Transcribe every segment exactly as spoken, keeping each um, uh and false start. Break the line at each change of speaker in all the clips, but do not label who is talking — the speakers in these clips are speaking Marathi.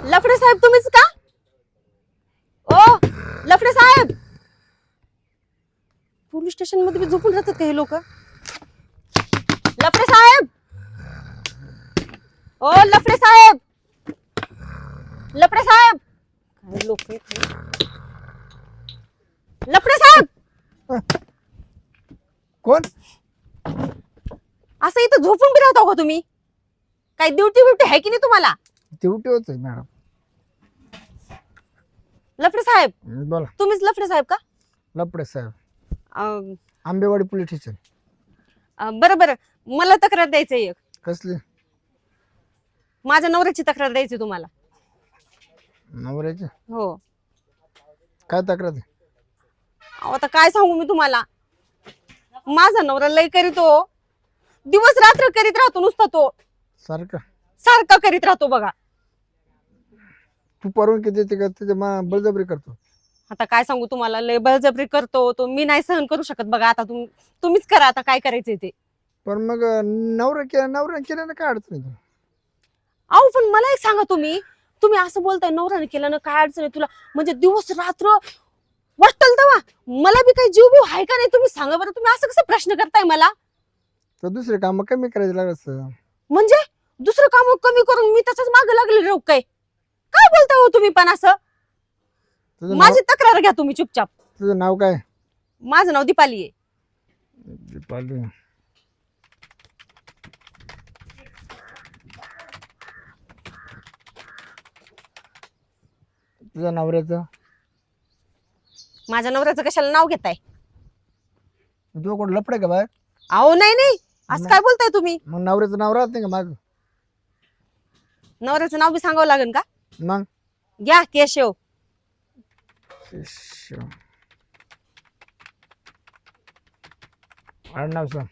लफडे साहेब तुम्हीच का? ओ लफडे साहेब, पोलीस स्टेशन मध्ये बी झोपून राहतात का हे लोक? लफडे साहेब, ओ लफडे साहेब, लफडे साहेब, काय लोक लफडे साहेब,
कोण?
असं इथं झोपून बी राहता का तुम्ही? काय ड्युटी ब्युटी आहे की नाही तुम्हाला?
ड्युटी होत मॅडम.
लफडे साहेब
बोला.
तुम्हीच लफडे साहेब का?
लपडे साहेब,
अं,
आंबेवाडी पोलीस स्टेशन.
अं, बरं बरं, मला तक्रार द्यायची एक.
कसली?
माझ्या नवऱ्याची तक्रार द्यायची तुम्हाला.
नवऱ्याची?
हो.
काय तक्रार आहे?
अहो, आता काय सांगू मी तुम्हाला, माझा नवरा लय करीतो, दिवस रात्र करीत राहतो नुसता तो,
सारखं
सारखा करीत राहतो बघा.
तू परवानगी देते का त्याच्या मा बळजबरी करतो?
आता काय सांगू तुम्हाला, लय बळजबरी करतो तो, मी नाही सहन करू शकत बघा. आता तुम तुम्हीच करा आता काय करायचंय ते.
पण मग नवरा केला नवरा केल्यानं काय अडचण आहे?
अहो पण मला एक सांगा, तुम्ही तुम्ही असं बोलताय नवऱ्याने केलं ना काय अडचण आहे तुला, म्हणजे दिवस रात्र वाटल तेव्हा मला बी काही जीव बीव आहे का नाही? तुम्ही सांगा बरं, तुम्ही असं कसं प्रश्न करताय मला?
तर दुसरे काम कमी करायचे लागत.
म्हणजे दुसरं काम कमी करून मी त्याच्याच मागे लागले राहू काय? काय बोलता हो तुम्ही पण असं?
तुझं नाव
माझी तक्रार घ्या तुम्ही चुपचाप.
तुझं नाव काय?
माझं नाव दीपाली आहे.
दीपाली. तुझ्या नवऱ्याचं?
माझ्या नवऱ्याचं कशाला नाव घेताय?
तुझं कोण लपडे का बाय?
अहो नाही नाही, असं काय बोलताय तुम्ही?
मग नवऱ्याचं नाव राहत नाही का माग?
नवऱ्याचं नाव बी सांगावं लागेल का?
मग
घ्या केशव.
आडनाव सांग.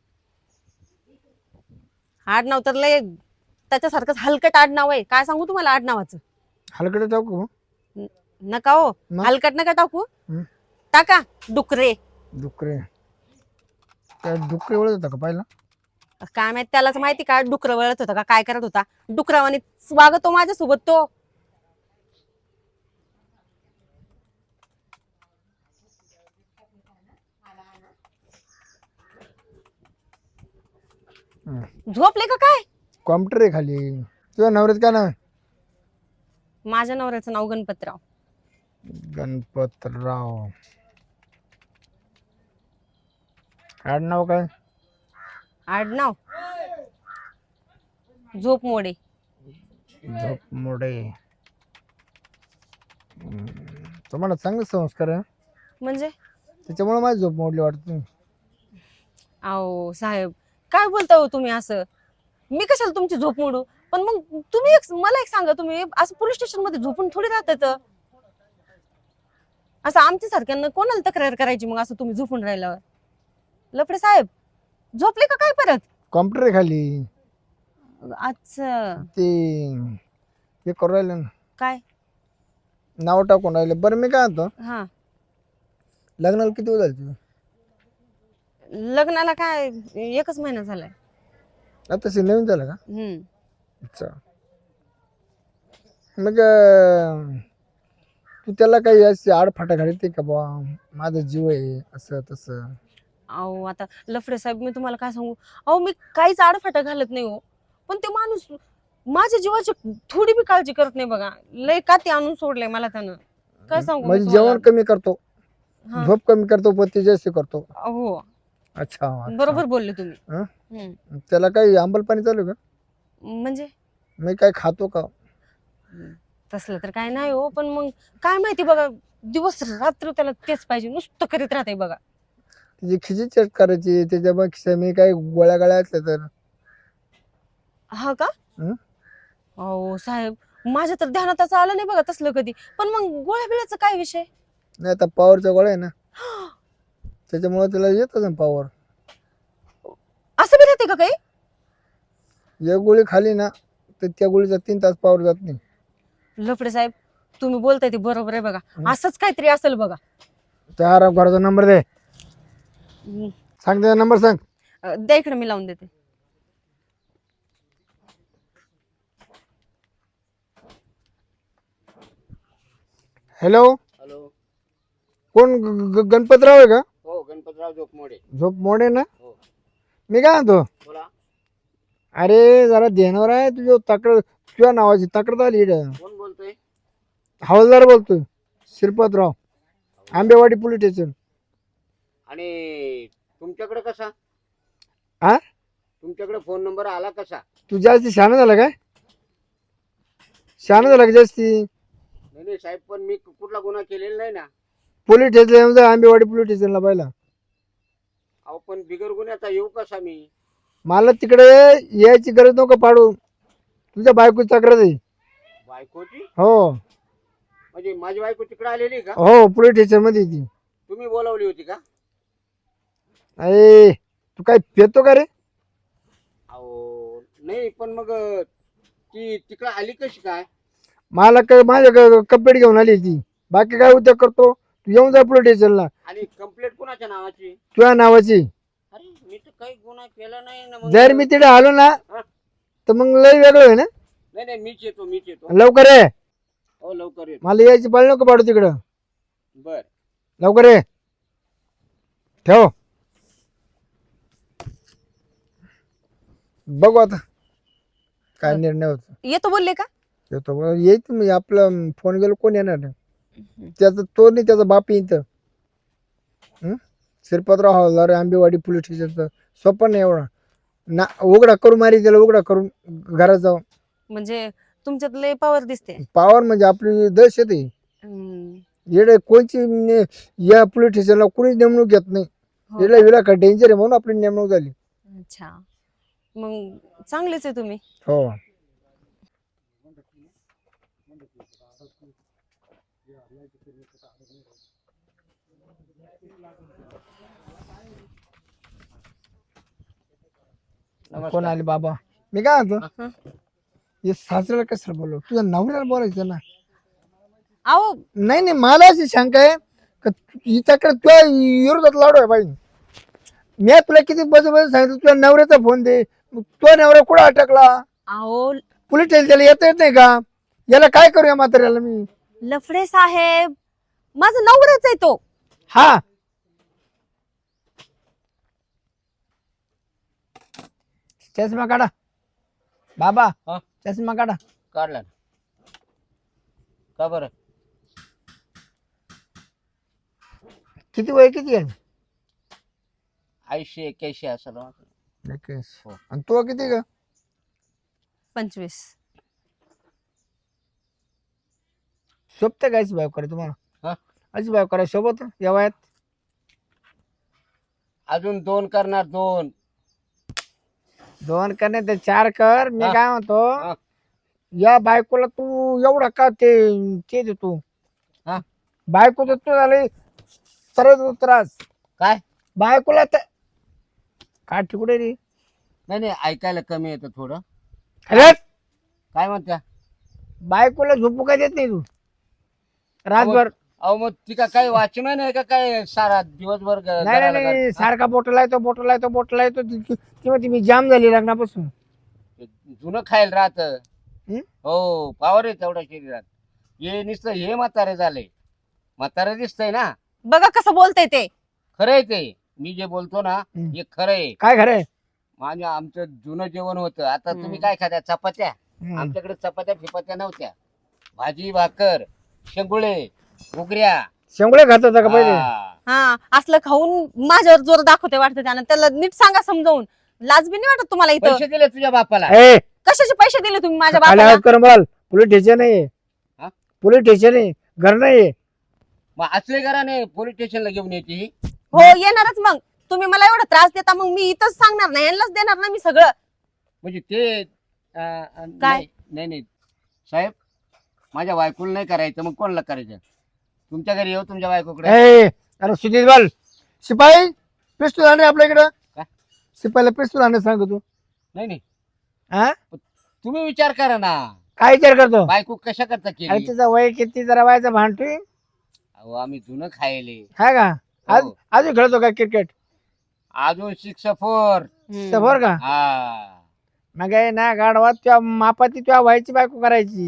आडनाव तर लय त्याच्यासारखंच हलकट आडनाव आहे. काय सांगू तुम्हाला आडनावाचं?
हलकडे टाकू?
नका हो,
मग?
हलकट नका टाकू.
हं?
टाका डुकरे.
डुकरे? त्या डुकरे ओळख होता का पहिला?
काय माहित त्यालाच माहिती का डुकर वळत होता का काय करत होता. डुकरावाने वागतो माझ्यासोबत तो. झोपले का काय?
कॉम्प्युटर आहे खाली. तुझ्या नवऱ्याचं काय नाव आहे?
माझ्या नवऱ्याचं नाव गणपतराव.
गणपतराव. आडनाव काय?
आडनाव झोप मोडे.
झोप मोडे. हम्म. तुम्हाला चांगले संस्कार आहे
म्हणजे?
त्याच्यामुळे माझी झोप मोडली वाटतं.
अहो साहेब काय बोलता हो तुम्ही असं? मी कशाला तुमची झोप मोडू? पण मग तुम्ही एक मला एक सांगा, तुम्ही असं पोलीस स्टेशन मध्ये झोपून थोडी राहतात? असं आमच्या सारख्यांना कोणाला तक्रार करायची मग असं तुम्ही झोपून राहिल्यावर? लफडे साहेब झोपले का काय परत?
कॉम्प्युटर आहे खाली.
अच्छा.
ते हे करू राहिले ना,
काय
नाव टाकून राहिले. बरं मी काय म्हणतो,
हा,
लग्नाला किती वेळ झाली तुझं?
लग्नाला काय एकच महिना झालाय.
आता तशी नवीन झालं का?
हम्म.
अच्छा. मग अं, तू त्याला काही अशी आडफाटा घालते का बा माझा जीव आहे असं तसं?
अहो आता लफडे साहेब मी तुम्हाला काय सांगू, अहो मी काहीच आडफाटा घालत नाही हो, पण ते माणूस माझ्या जीवाची थोडी बी काळजी करत नाही बघा. लय का ते आणून सोडलंय मला त्यानं. काय सांगू मी
म्हणजे
तुम्हाला?
जेवण कमी करतो,
हा.
झोप कमी करतो, पती जास्त करतो.
हो
अच्छा, अच्छा.
बरोबर बोलले तुम्ही.
हं?
हम्म.
त्याला काही आंबल पाणी चालू आहे का?
म्हणजे
मी काय खातो का?
तसलं तर काय नाही हो, पण मग काय माहिती बघा, दिवस रात्र त्याला तेच पाहिजे, नुसतं करीत राहते बघा.
तिची खिची चेक करायची त्याच्या मग मी काही गोळ्या गाळ्या असल्या तर.
हा का?
हं?
अहो साहेब माझ्या तर ध्यानातच आलं नाही बघा तसलं कधी. पण मग गोळ्या बिळ्याचा काय विषय?
नाही आता पॉवरचा गोळ्या आहे ना, त्याच्यामुळे त्याला येतच ना पॉवर.
असं बी राहते का काही?
एक गोळी खाली ना तर त्या गोळीचा तीन तास पॉवर जात नाही.
लफडे साहेब तुम्ही बोलताय ते बरोबर आहे बघा. असंच काहीतरी असेल बघा.
त्या आराम घराचा नंबर दे.
हम्म.
सांग त्याचा नंबर सांग.
अं, द्या इकडे मी लावून देते.
Hello,
hello.
कोण ग- ग- गणपतराव आहे का?
हो, गणपतराव जोपमोडे.
झोप मोडे ना?
हो,
मी काय म्हणतो,
बोला.
अरे जरा ध्यानावर आहे तुझ्या तक्रार, तुझ्या नावाची तक्रार आली इकडं.
कोण बोलतोय?
हवालदार बोलतोय, श्रीपादराव, आंबेवाडी पोलीस स्टेशन.
आणि तुमच्याकडे कसा
हा,
तुमच्याकडे फोन नंबर आला कसा?
तू जास्ती शहाणा झाला काय? शहाणा झाला का जास्ती?
नाही नाही साहेब, पण मी कुठला गुन्हा केलेला नाही ना.
पोलीस स्टेशन आंबेवाडी पोलीस स्टेशनला पाहिला.
अहो, पण बिगर गुन्ह्याचा येऊ कसा मी?
मला तिकडे यायची गरज नको पाडू, तुझ्या बायकोची तक्रार आहे.
बायकोची?
हो
म्हणजे माझी बायको तिकडे आलेली का?
हो, पोलीस स्टेशन मध्ये ती.
तुम्ही बोलावली होती का?
अरे तू काय पेतो का रे?
अहो नाही, पण मग ती तिकडे आली कशी काय?
मला काय माझ्या कंप्लेंट घेऊन आली ती, बाकी काय उद्या करतो. तू येऊन जा पोलीस स्टेशनला,
आणि कंप्लेंट कोणाच्या नावाची?
तुझ्या नावाची.
अरे मी तर काही गुन्हा केला नाही ना. मग
जर मी तिथे आलो ना
हा?
तर मग लय वेगळं आहे ना.
नाही नाही, मीच येतो मीच येतो.
लवकर ये,
हो, लवकर येतो.
मला यायची पाळी नको पाडू तिकडं.
बर.
लवकर ये, ठेव. बघू आता काय निर्णय होतो.
येतो बोलले का?
येतो येईल तुम्ही, आपला फोन गेलो कोण येणार नाही. त्याचा तो नाही, त्याचा बाप येईल. श्रीपादराव हवालदार, आंबेवाडी पोलीस स्टेशनचं सोपं नाही एवढा ना. उघडा करून मारी त्याला, उघडा करून घरात जाऊ.
म्हणजे तुमच्यात लय पावर दिसते.
पावर म्हणजे आपली दहशत आहे.
हम्म.
येडे कोणची ने- या पोलीस स्टेशनला कोणीच नेमणूक घेत नाही.
हो
येडा विडा का डेंजर आहे म्हणून आपली नेमणूक झाली.
अच्छा, मग चांगलेच आहे तुम्ही.
हो, कोण आले बाबा? मी काय म्हणतो,
हं.
हे सासऱ्याला कशाला बोलव, तुझ्या नवऱ्याला बोलायचं ना.
अहो
नाही नाही, मला अशी शंका आहे का ही तक्रार तुझ्या विरोधात लावडो आहे पाहिजे. मी तुला किती बस बस सांगितलं तुझ्या नवऱ्याचा फोन दे, तो नवरा कुठं अटकला?
अहो
पोलीस स्टेशन त्याला येता येत नाही का? याला काय करूया म्हाताऱ्याला मी?
लफडे साहेब, माझा नवराच आहे तो.
हा, चष्मा काढा बाबा,
हा?
चष्मा काढा.
काढला ना. का बरं?
किती वय किती आहे?
ऐंशी एक्क्याऐंशी असं
एकवीस.
हो.
आणि तो किती का?
पंचवीस.
सोबत कायच भाव करे तुम्हाला?
हा?
अशी भाव करा सोबत या वयात?
अजून दोन करणार, दोन.
दोन करणे तर चार कर. मी
हा.
काय म्हणतो,
हा.
या बायकोला तू एवढा का ते ते देतो?
हा?
बायको देतो झाले सरळ त्रास.
काय?
बायकोला तर काठी कुठे रे?
नाही नाही, ऐकायला कमी येतं थोडं.
अरे
काय म्हणत्या?
बायकोला झोपू काय देत नाही तू रातभर?
अहो मग ती का काही वाचन आहे का काय सारा दिवसभर ग-
नाही
घराला
नाही नाही,
घाल-
सारखा बोटला येतो बोटला येतो बोटला येतो. ती ती म्हणते मी जाम झाली लग्नापासून.
हा? जुनं खायला राहत.
हं?
हो, पावर आहे तेवढ्या शरीरात. हे नुसतं हे म्हातारे झाले. म्हातारे दिसतंय ना.
बघा कसं बोलतय ते.
खरंय ते. मी जे बोलतो ना
हं.
हे खरंय.
काय खरंय?
माझ्या आमचं जुनं जेवण होतं. आता
हं.
तुम्ही काय खात्या? चपात्या.
हं.
आमच्याकडे चपात्या फिपात्या नव्हत्या. भाजी भाकर, शेंगुळे, उगऱ्या.
शेंगुळे खात होता का पहिले?
हा.
हा, असलं खाऊन माझ्यावर जोर दाखवते वाटतं त्यानं. त्याला नीट सांगा समजावून. लाज बी नाही वाटत तुम्हाला इथं?
पैसे दिले तुझ्या बापाला?
ए,
कशाचे पैसे दिले तुम्ही माझ्या
आले
बापाला?
हात कर बोल. पोलीस स्टेशन आहे.
हा?
पोलीस स्टेशन आहे, घर नाही.
मग असले घराने पोलीस स्टेशनला घेऊन येते ही?
हो, येणारच मग. तुम्ही मला एवढा त्रास देता, मग मी इथंच सांगणार नाही, यांनाच देणार ना मी सगळं.
म्हणजे ते अं, अं,
काय?
नाही नाही नाही. साहेब, माझ्या बायकोला नाही करायचं, मग कोणाला करायचं? तुमच्या घरी येऊ तुमच्या बायकोकडे?
ए, अरे सुधीर बोल. शिपाई पिस्तूल आणे आपल्या इकडं.
काय?
शिपाईला पिस्तूल आणे सांगतो तू.
नाही नाही,
हा,
तुम्ही विचार करा ना.
काय विचार करतो?
बायको कशा करता
अरे
केली?
तिचा वय किती जरा वयाचा भांडतोय.
अहो आम्ही जुनं खायले.
हा का? आज
हो.
अजून खेळतो का क्रिकेट?
अजून सिक्स फोर.
सफर का?
हा.
मग आहे ना गाडवात तुझ्या मापाती तुझ्या व्हायची बायको करायची.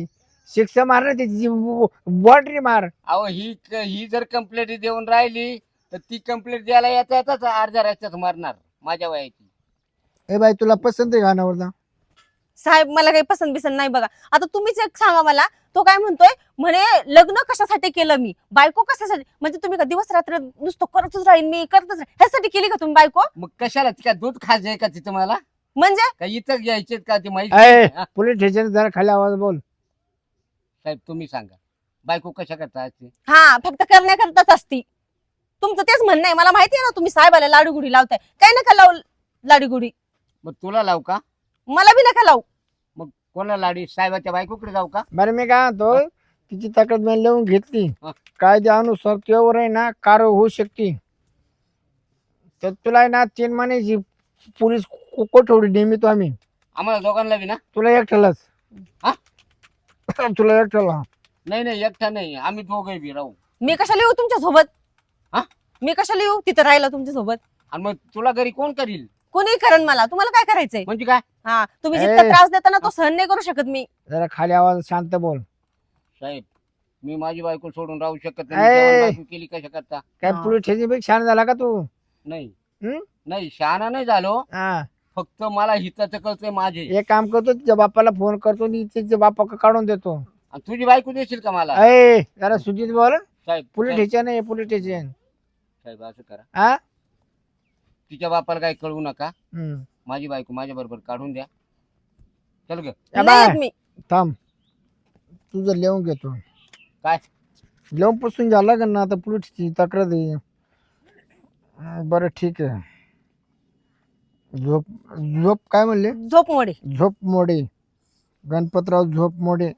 शिक्षा मार ना त्याची बॉन्ड्री मार.
अहो ही ही जर कंप्लेंट देऊन राहिली तर ती कंप्लेंट द्यायला येता येताच अर्ध्या रस्त्यात मारणार माझ्या वयाची.
ए बाई तुला पसंत आहे गाण्यावर?
साहेब मला काही पसंत बिसंत नाही बघा. आता तुम्हीच एक सांगा मला, तो काय म्हणतोय म्हणे लग्न कशासाठी केलं मी, बायको कशासाठी, म्हणजे तुम्ही का दिवस रात्र नुसतं करतच राहीन मी करतच राहीन ह्यासाठी केली का तुम्ही बायको?
मग कशाला का दूध खायचंय का तिथं मला,
म्हणजे
का इथं घ्यायचेत का ते माहिती?
ए
हा?
पोलीस स्टेशन जरा खाली आवाज बोल.
साहेब तुम्ही सांगा बायको कशा करता असते?
हा फक्त करण्याकरताच असती. तुमचं तेच म्हणणं आहे, मला माहिती आहे ना तुम्ही साहेबाला लाडूगुडी लावताय. काय नका लावू लाडूगुडी,
मग तुला लावू का?
मला बी नका लावू.
मग कोणाला लाडी, साहेबाच्या बायकोकडे जाऊ का?
बरं मी काय म्हणतो, तिची तक्रार मी लिहून घेतली.
हा.
कायद्यानुसार त्यावर आहे ना कारवाई होऊ शकते. तर तुला आहे ना तीन महिन्याची पोलीस को- कोठडी नेमितो आम्ही.
आम्हाला दोघांना बी ना?
तुला एकट्यालाच.
हा?
तुला एकट्याला.
नाही नाही एकटा नाही, आम्ही दोघे बी राहू.
मी कशाला येऊ तुमच्या सोबत?
हा?
मी कशाला येऊ तिथं राहिला तुमच्या सोबत?
आणि मग तुला घरी कोण करील?
कोणी करण मला, तुम्हाला काय करायचंय?
म्हणजे काय?
हा तुम्ही
ए.
जितका त्रास देता ना तो सहन नाही करू शकत मी.
जरा खाली आवाज शांत बोल.
साहेब मी माझी बायको सोडून राहू शकत
ए.
नाही. जेवण बायको केली कशा करता?
काय
हा.
पोलीस स्टेशन पेक्षा छान झाला का तू?
नाही
हं?
नाही शहाणा नाही झालो,
हा.
फक्त मला हिताचं कळतंय माझे.
एक काम करतो, तुझ्या बापाला फोन करतो आणि तिच्या बापा काढून देतो.
आणि तुझी बायको देशील का मला?
अय जरा सुजित बोल.
साहेब
पोलीस
साहेब
स्टेशन आहे पोलीस स्टेशन.
साहेब, असं करा,
हा.
तिच्या बापाला काही कळवू नका.
हम्म.
माझी बायको माझ्या बरोबर काढून द्या. चल ग.
या
नाही
बाय.
येत मी.
थांब तुझं लिहून घेतो.
काय?
लिहून पुसून झाला का ना आता पोलीसची तक्रार दे. हं, बरं ठीक आहे. झोप झोप काय म्हणले?
झोप मोडे.
झोप मोडे. गणपतराव झोप मोडे.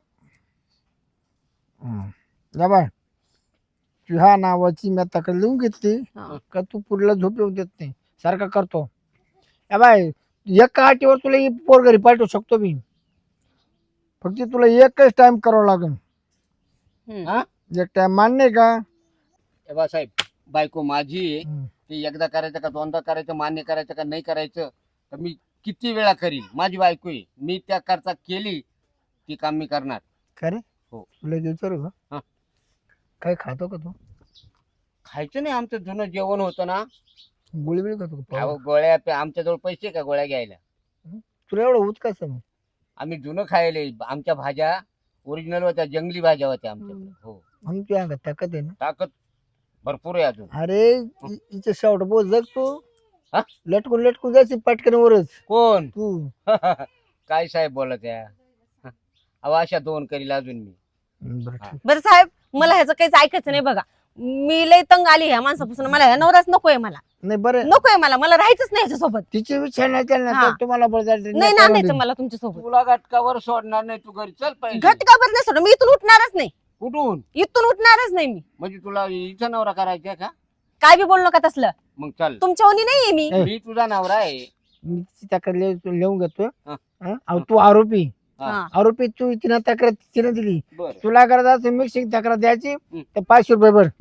हं. या बाय ह्या नावाची मी तक्रार लिहून घेतली
हा.
का तू पुढला झोप येऊ देत नाही सारखा करतो. या बाय एका आटीवर तुला ही पोर घरी पाठवू शकतो मी, फक्त तुला एकच टाइम करावं लागेल.
हम्म.
हा?
एक टाइम मान्य आहे का?
हे बा साहेब, बायको माझी आहे.
हं.
ते एकदा करायचं का दोनदा करायचं, मान्य करायचं का नाही करायचं, तर मी किती वेळा करील. माझी बायको आहे, मी त्या करता केली ती काम मी करणार.
का रे?
हो.
तुला एक विचारू
हा.
का? काय खातो का तू?
खायचं नाही, आमचं जुनं जेवण होतं ना.
गोळी बिळी खातो का?
अहो, गोळ्या पे- आमच्याजवळ पैसे आहे का गोळ्या घ्यायला?
तुला एवढं होत कसं मग?
आम्ही जुनं खायले. आमच्या भाज्या ओरिजिनल होत्या, जंगली भाज्या होत्या आमच्याकडे.
हम्म.
हो,
म्हणून तुझ्या अंगात ताकद आहे ना.
ताकद भरपूर आहे अजून.
अरे इ- हिचं शावट बोल जग तू.
हा?
लटकून लटकून जायची पटकन वरच
कोण?
तू.
काय साहेब बोलत आहे? अहो अशा दोन करील अजून मी.
बरं ठीक.
बरं साहेब मला ह्याचं काहीच ऐकायचं नाही बघा. मी लय तंग आली ह्या माणसापासून. मला ह्या नवराच नकोय, मला
नाही बरं
नकोय, मला मला राहायचंच नाही ह्याच्यासोबत.
तिचे विचार नाही केला ना
हा.
तर तुम्हाला बरं जायचं
नाही
नाही
ना
करून
आणायचं
देईन.
मला तुमच्यासोबत.
तुला घटकावर सोडणार नाही, तू घरी चल पाहिजे.
घटकाभर नाही सोडा, मी इथून उठणारच नाही.
कुठून?
इथून उठणारच नाही मी.
म्हणजे तुला इथं नवरा करायचा का?
काय बी बोलू नका तसलं.
मग चल,
तुमच्या ओनी नाहीये मी.
ए.
मी तुझा नवरा आहे.
मी तिची तक्रार लिह- लिहून घेतो.
हा.
हा? अहो, तू आरोपी.
हा.
हा.
आरोपी तू तिनं तक्रार तिनं दिली.
बर
तुला करत असेल मिक्सिंग तक्रार द्यायची
हं.
तर पाचशे रुपये भर.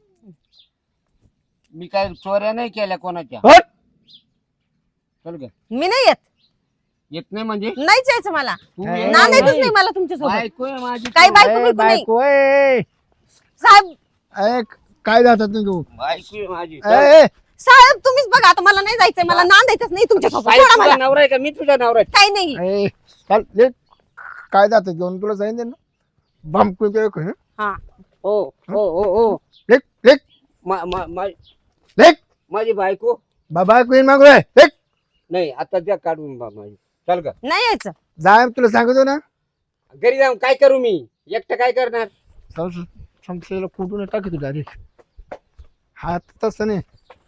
मी काय चोऱ्या नाही केल्या कोणाच्या.
हट!
चल ग.
मी नाही येत.
येत नाही म्हणजे
नाहीच यायचं मला.
तू
नाही,
ये.
नांदायचंच
नाही.
नाही मला तुमच्यासोबत.
बायको आहे माझी.
काय
तू.
बायको
ए,
बियको नाही.
बायको ए.
साहेब
ए, काय जातात तू?
बायको आहे माझी.
ए, ए,
साहेब तुम्हीच बघा आता, मला नाही जायचंय, मला नांदायचंच नाही तुमच्यासोबत.
बाई,
सोडा
तुझा
मला.
नवरा आहे का? मी तुझा नवरा आहे.
काही नाही.
ए, चल ले काय जातात घेऊन तुला सांगितलं ना बम कुठे
हा
हो हो हो हो
लेक लेक
मा- मा- मा-
लेक
माझी बायको
बाबा क्वीन मागू रे लेक
नाही, आता त्या काढून बा माझी. चल ग.
नाही यायचं.
जाय तुला सांगतो ना
घरी जाऊन काय करू मी एकटं, काय करणार?
संपलेला कुठून टाकी तू डायरेक्ट हात तसं नाही.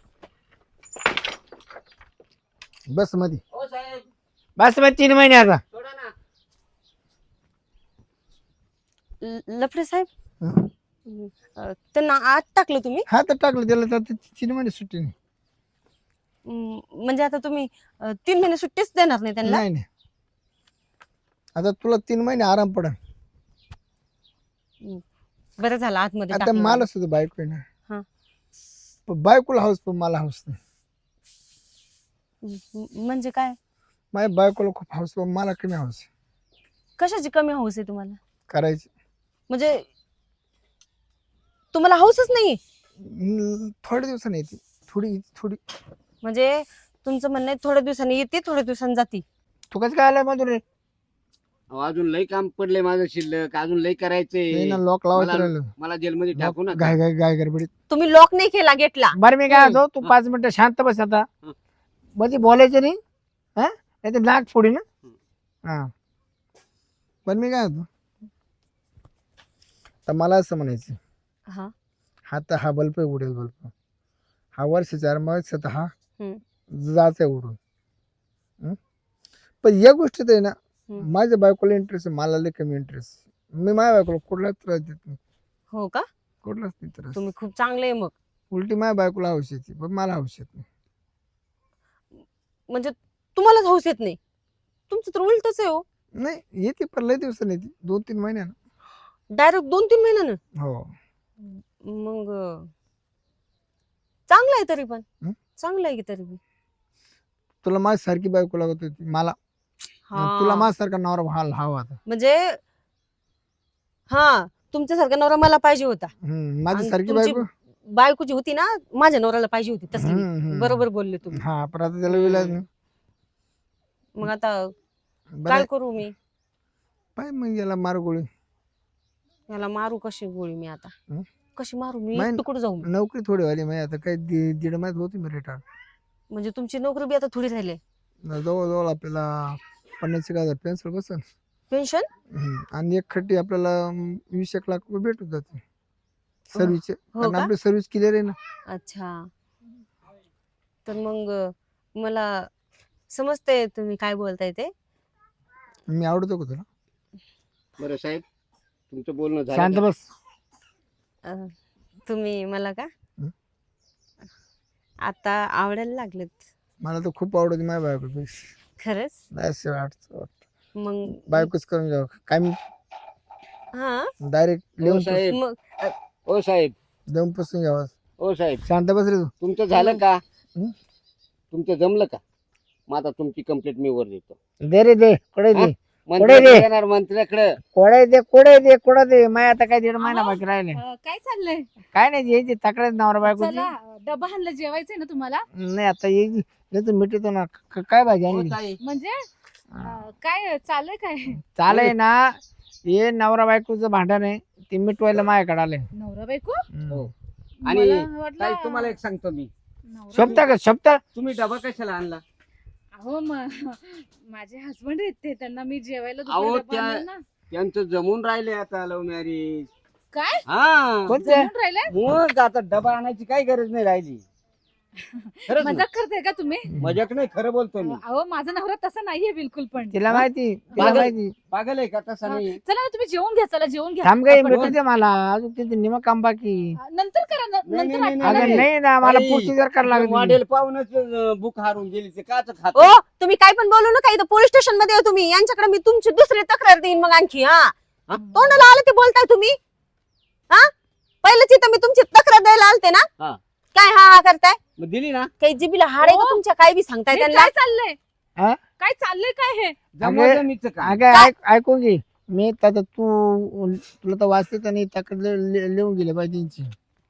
बस मध्ये
हो साहेब,
बस मध्ये तीन महिने आता.
सोडा ना.
ल- लफडे साहेब
हं.
अं, त्यांना आत टाकलं तुम्ही.
हा तर टाकलं त्याला तर ते तीन महिने सुट्टी नाही.
अं, म्हणजे आता तुम्ही अं, तीन महिने सुट्टीच देणार नाही त्यांना.
नाही नाही आता तुला तीन महिने आराम पडा.
बरं झालं आतमध्ये
आता
टाकलं.
मला सुद्धा बायको आहे
हा.
ना पण बायकोला हाऊस पण मला हाऊस नाही.
म- म्हणजे काय?
माझ्या बायकोला खूप हाऊस पण मला कमी हाऊस.
कशाची कमी हौस आहे तुम्हाला?
करायची.
म्हणजे तुम्हाला हौसच नाही?
हम्म, थोड्या दिवसांनी येते. थोडी थोडी.
म्हणजे तुमचं म्हणणं आहे थोड्या दिवसांनी येते थोड्या दिवसांनी जाती.
तू कसं काय आलाय मधून रे?
अहो, अजून लई काम पडले माझं शिल्लक, अजून लई
ते
करायचंय.
ना लॉक लावायचं
मला
राहिलं.
मला जेलमध्ये टाकू नका.
गाय गाय गाय गडबडीत.
तुम्ही लॉक नाही केला गेटला.
बरं मी काय
हम्म.
होतो, तू पाच मिनिटं शांत बस आता.
हं.
मध्ये बोलायचं नाही, हा नाही तर नाक फोडी ना. हा पण मी काय होतो, तर मला असं म्हणायचं,
हा
हा तर हा बल्ब आहे, उडेल बल्ब. हा वर्ष चार वर्षात हा
हम्म.
जायचा उडून. हं? पण या गोष्टीत आहे ना,
हम्म.
माझ्या बायकोला इंटरेस्ट आहे, मला लय कमी इंटरेस्ट. मी माझ्या बायकोला कुठलाच त्रास देत नाही,
हो का?
कुठलाच नाही त्रास.
तुम्ही खूप चांगले आहे मग.
उलटी माझ्या बायकोला हौस येते, पण मला हौस येत नाही.
म्हणजे तुम्हालाच हौस येत नाही? तुमचं तर उलटच आहे हो.
नाही येते, पण लय दिवसांनी येते, दोन तीन महिन्यानं.
डायरेक्ट दोन तीन महिन्यानं?
हो.
मग अं, चांगलं आहे तरी पण.
हं?
चांगलं आहे की तरी पण.
तुला माझ्यासारखी बायको लागत होती मला, आणि तुला
हा
माझ्यासारखा नवरा व्हाल हवा आता.
म्हणजे हा तुमच्यासारखा नवरा मला पाहिजे होता.
हम्म, माझी
आणि
सारखी
तुमची
बायको.
बायको जी होती ना माझ्या नवऱ्याला पाहिजे होती तसली.
हम्म, हम्म.
बरोबर बोलले तुम्ही.
हा पण आता त्याला विलाज नाही.
मग आता
बरं
काय
आहे.
करू मी?
पाय मग याला मार गोळी.
याला मारू कशी गोळी मी आता?
हं?
कशी मारू मी?
नाही.
कुठे जाऊ मी?
नोकरी थोडी वाली माहिती आता, काही दि- दीड महिन्यात होती मी रिटायर.
म्हणजे तुमची नोकरी बी आता थोडी राहिली.
जवळजवळ आपल्याला पन्नास एक हजार पेन्सिल बसन.
पेन्शन?
हम्म, आणि एक खट्टी आपल्याला अं, वीस एक लाख रुपये भेटून जाते सर्व्हिसचे,
हो
कारण
का?
आपली सर्व्हिस क्लिअर आहे ना.
अच्छा. तर मग मला समजते तुम्ही काय बोलताय ते.
मी आवडतो का तुला?
बरं साहेब, तुमचं बोलणं झालं
शांत
का?
बस.
अं, तुम्ही मला का
हं?
आता आवडायला लागलेत?
मला तर खूप आवडते माझ्या बायकोपेक्षा.
खरंच?
असं वाटतं वाटतं.
मग
बायकोच करून जाऊ काय, मी
हा
डायरेक्ट
हो
लिहून
साहेब,
मग अ,
ओ साहेब,
देऊन पुसून घ्यावा.
ओ साहेब,
शांत बस रे तू.
तुमचं झालं का?
हं?
तुमचं जमलं का? मग आता तुमची कंप्लेंट मी वर देतो.
दे रे दे, कोडे दे,
मंत्र्याकडे येणार, मंत्र्याकडे.
कोडे दे, कोडे दे, कोडे दे. माय आता काय दीड महिना
अहो,
बाकी राहिले.
अं, काय चाललंय?
काय नाही यायची तक्रार नवरा बायकोची.
चला डबा हाणला, जेवायचंय ना तुम्हाला?
नाही आता यायची, याचं मिटतो ना. क- काय भाजी
हो
आणली?
ताई,
म्हणजे अं, काय चाललंय काय?
चालय ना, हे नवरा बायकोचं भांडण आहे, ते मिटवायला माझ्याकडे आलंय.
नवरा बायको?
हो. आणि
मला वाटलं
ताई, तुम्हाला एक सांगतो मी,
नवरा
शोभता का शोभता?
तुम्ही डबा कशाला आणला?
अहो म- माझे हसबंड आहेत ते, त्यांना मी जेवायला
अहो,
दुपारी डबा
त्या-
आणला ना.
त्यांचं जमून राहिले आता लव्ह मॅरेज.
काय
हा,
कोणते?
जमून राहिलंय?
मग आता डबा आणायची काही गरज नाही राहिली. खरंच ना?
मजाक करताय का तुम्ही?
मजाक नाही, खरं बोलतो मी.
अहो माझा नवरा तसा नाहीये बिलकुल पण.
तिला माहिती, तिला
पागल.
माहिती.
पागल आहे का? तसं
हा,
नाही.
चला ना तुम्ही जेवून घ्या, चला जेवून घ्या.
थांब काही
आपण-
मिटू दे मला, अजून तिथे निम काम बाकी.
नंतर करा न-
नाही,
नंतर
नाही,
आठवण
अगं
आली.
नाही ना, मला
ताई,
प्रोसिजर करायला लागली.
मॉडेल पाहूनच बुक हारून गेली, ते काच खात.
ओ तुम्ही काय पण बोलू नका, इथं पोलीस स्टेशन मध्ये आहे तुम्ही. यांच्याकडे मी तुमची दुसरी तक्रार देईन मग आणखी. हा
हा?
तोंडाला आलं ते बोलताय तुम्ही? हा पहिलंच इथं मी तुमची तक्रार द्यायला आलते ना.
हा.
काय हा हा करताय?
मग दिली ना?
काही जिबीला हाड आहे का
ओ,
तुमच्या? काय बी सांगताय
हे
त्यांना.
काय चाललंय?
हा?
काय चाललंय काय हे?
जमवा जमीचं का?
अगं ऐक, ऐकून घे. मी तर तू, तुला तर वाचते आणि तक्रार लि- लिहून गेले पाहिजे त्यांची.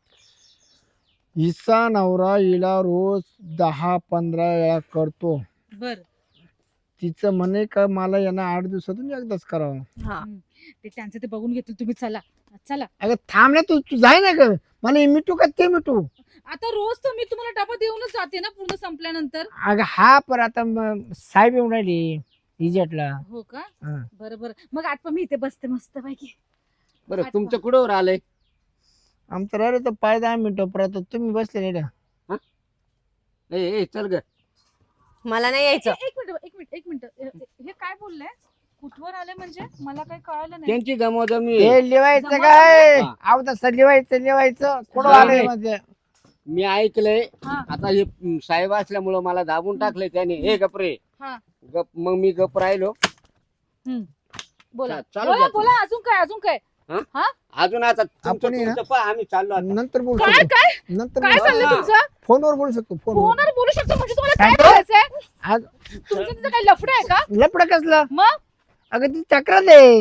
हिचा नवरा हिला रोज दहा पंधरा वेळा करतो.
बर,
तिचं म्हणे का मला यांना आठ दिवसातून एकदाच करावं.
हा
ते त्यांचं ते बघून घेतील, तुम्ही चला चला.
अगं थांब ना तू, तू जाय ना ग. मला हे मिटू का ते मिटू?
आता रोज तर मी तुम्हाला डबा देऊनच जाते ना पूर्ण संपल्यानंतर.
अगं हा पर आता म- साहेब येऊन राहिली इजेटला.
हो का?
हा.
बरं बरं, मग आठवा मी इथे बसते मस्त पैकी.
बरं, तुमचं कुठं आलंय?
आमचं राहिलं तर पाय दहा मिनिटं, परत तुम्ही बसले नाही ना.
ए ए, चल ग.
मला नाही यायचं.
एक मिनिट एक मिनिट एक मिनिट हे काय बोललंय? कुठवर आले म्हणजे मला काही कळालं नाही.
त्यांची जमवाजमी.
हे लिवायचं
जमा
काय?
झालं?
अहो तसं लिवायचं लिवायचं कुठं
हा.
आलंय म्हणजे?
मी ऐकलंय.
हा.
आता हे म, साहेब असल्यामुळं मला दाबून टाकलंय त्याने. हे गपरे
हा.
गप. मग मी गप राहिलो.
बोला
चा- चालू
बोला
द्या.
बोला, अजून काय अजून काय?
अजून आता तुमचं
आपण आहे ना?
तुमचं पहा, आम्ही चाललो आता.
नंतर बोलू
काय
शकतो.
काय
नंतर
काय
बोलू
चाललंय
हा.
तुमचं?
शकतो. फोनवर बोलू शकतो. फोनवर.
फोनवर बोलू शकतो म्हणजे तुम्हाला
काय
काय करायचंय?
आज
तुमचं तिथं काय लफडं आहे का?
लपड कसलं?
मग
अगं ती तक्रार दे.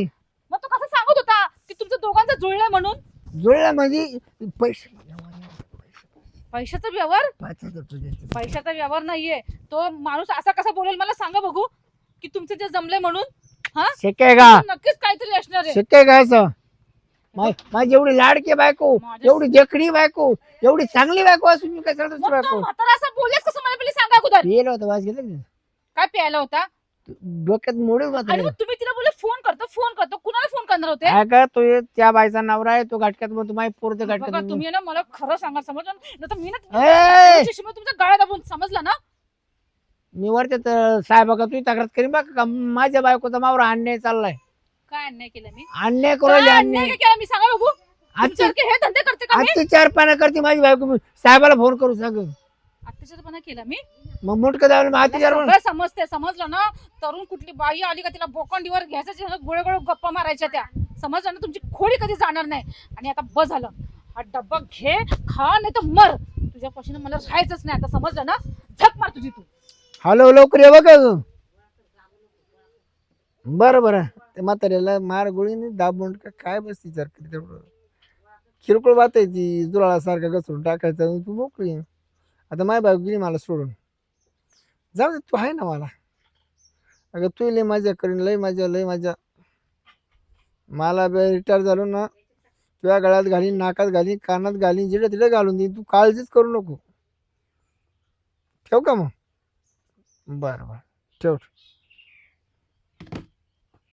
मग तो कसं सांगत होता की तुमचं दोघांचं जुळलंय म्हणून?
जुळला म्हणजे पैसे
पैशाचा व्यवहार?
पाच हजार तुझे.
पैशाचा व्यवहार नाहीये तो माणूस. असा कसा बोलेल मला सांगा बघू, की तुमचं जे जमलंय म्हणून? हा,
शक्य आहे का?
नक्कीच काहीतरी असणार आहे.
शक्य आहे का असं? मा- माझी एवढी लाडकी बायको,
माझ्या-
एवढी देखणी बायको, एवढी चांगली बायको असून मी कशाला दुसरी
मग तो
बायको?
म्हातारा असं बोललेच कसं मला पहिले सांगा अगोदर.
पियलं होतं वास घेतलं का?
काय प्यायला होता?
डोक्यात मोडून
आणि
मात्र
मग तुम्ही तिला बोलले फोन करतो फोन करतो. कुणाला फोन करणार होते?
काय का तो एक त्या बाईचा नवरा आहे, तो घाटक्यात म्हणतो माझी पोरं
बघा
घाटक्यात
तुम्ही ना मला खरं सांगा, समजलं ना? तर मी ना
ए!
तुमच्या तुमचा गळा दाबून, समजलं ना?
मी वरते तर साहेब का तुझी तक्रार करीन बघा का माझ्या बायकोचा मावरा अन्याय चाललाय.
काय अन्याय केला मी?
अन्याय करू
काय
राहिली,
अन्याय
अन्याय.
केला मी सांगा बघू.
आजची
तुमच्यासारखे हे धंदे करते का मी?
आजची चार पानं करते माझी बायको. मी साहेबाला फोन करू सांग.
अत्याचारपणा केला मी?
मग मुटकं दावलं मग आजची चार
सगळं समजते, समजलं ना? तरुण कुठली बाई आली का तिला बोकांडीवर घ्यायचं, गोळे गोळे गप्पा मारायच्या त्या, समजलं ना? तुमची खोडी कधी जाणार नाही. आणि आता बस झालं, हा डब्बा घे, खा, नाही तर मर. तुझ्यापासून मला राहायचंच नाही आता, समजलं ना? झक मार तुझी तू.
हॅलो लवकर ये बघ. बरं बरं ते म्हाताऱ्याला मार गोळीने दाबून का काय बसती जर तेवढं किरकोळ बात आहे ती. दुराळासारखा घसरून टाकायचं तू मोकळी. आता माय बायको गेली मला सोडून. जाऊ दे तू आहे ना मला. अगं तू लय मजा करीन, लय मजा लय मजा. मला रिटायर झालो ना तुझ्या गळ्यात घालीन, नाकात घालीन, कानात घालीन, जिडे तिडे घालून देईन. तू काळजीच करू नको. ठेव का मग? बरं बरं ठेव.